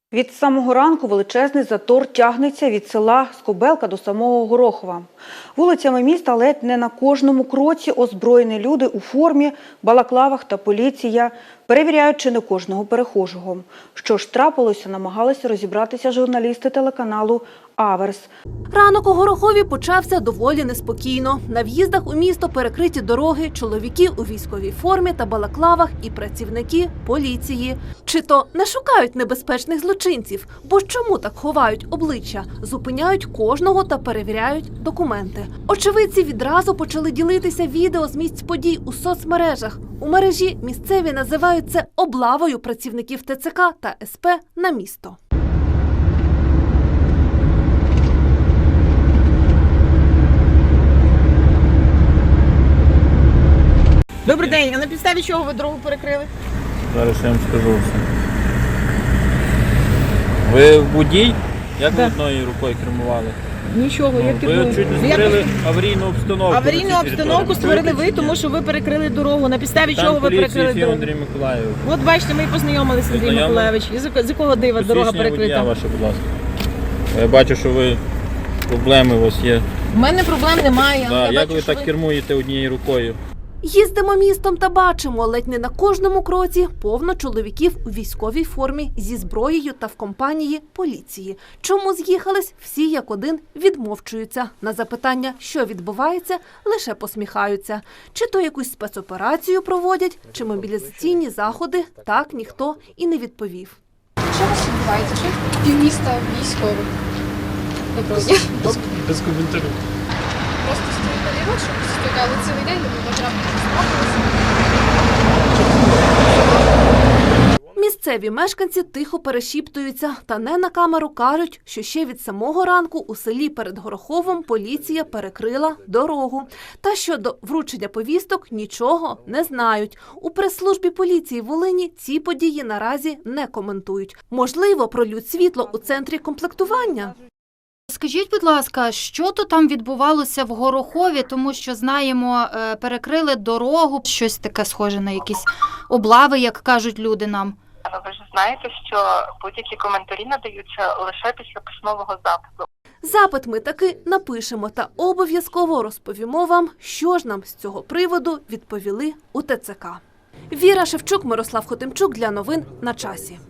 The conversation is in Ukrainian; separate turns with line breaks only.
Від самого ранку величезний затор тягнеться від села Скобелка до самого Горохова. Вулицями міста ледь не на кожному кроці озброєні люди у формі, балаклавах та поліція перевіряють чи не кожного перехожого. Що ж трапилося, намагалися розібратися журналісти телеканалу «Аверс».
Ранок у Горохові почався доволі неспокійно. На в'їздах у місто перекриті дороги, чоловіки у військовій формі та балаклавах і працівники поліції. Чи то не шукають небезпечних злочинців? Бо чому так ховають обличчя? Зупиняють кожного та перевіряють документи. Очевидці відразу почали ділитися відео з місць подій у соцмережах. У мережі місцеві називають це облавою працівників ТЦК та СП на місто.
Добрий день, а на підставі чого ви дорогу перекрили?
Зараз я вам скажу все. Ви водій? Як ви одною рукою кермували?
Нічого, я
Ви
керую.
чуть не створили аварійну обстановку.
Аварійну обстановку створили ви, тому що ви перекрили дорогу. На підставі
Там
чого ви перекрили
поліції
дорогу?
Андрій Миколаївич.
От бачите, ми і познайомилися, Андрій
Познайомились?
Миколаївич. З якого дива дорога
Посвідчення водія
перекрита?
ваше, будь ласка. Я бачу, що ви проблеми у вас є.
У мене проблем немає.
Да,
Я
як
бачу,
ви
що
так кермуєте однією рукою?
Їздимо містом та бачимо, ледь не на кожному кроці повно чоловіків у військовій формі зі зброєю та в компанії поліції. Чому з'їхались? Всі як один відмовчуються. На запитання, що відбувається, лише посміхаються. Чи то якусь спецоперацію проводять, чи мобілізаційні заходи, так ніхто і не відповів.
Що у вас відбувається? Що півміста військових? Доброго дня.
Без коментарів.
Просто стоїть на лівок, щоб стояли цілий день, не потрапити.
Місцеві мешканці тихо перешіптуються та не на камеру кажуть, що ще від самого ранку у селі перед Гороховом поліція перекрила дорогу. Та щодо вручення повісток нічого не знають. У прес-службі поліції Волині ці події наразі не коментують. Можливо, пролють світло у центрі комплектування?
Скажіть, будь ласка, що то там відбувалося в Горохові, тому що, знаємо, перекрили дорогу, щось таке схоже на якісь облави, як кажуть люди нам.
Ви ж знаєте, що будь-які коментарі надаються лише після письмового запиту.
Запит ми таки напишемо та обов'язково розповімо вам, що ж нам з цього приводу відповіли у ТЦК. Віра Шевчук, Мирослав Хотимчук для новин на часі.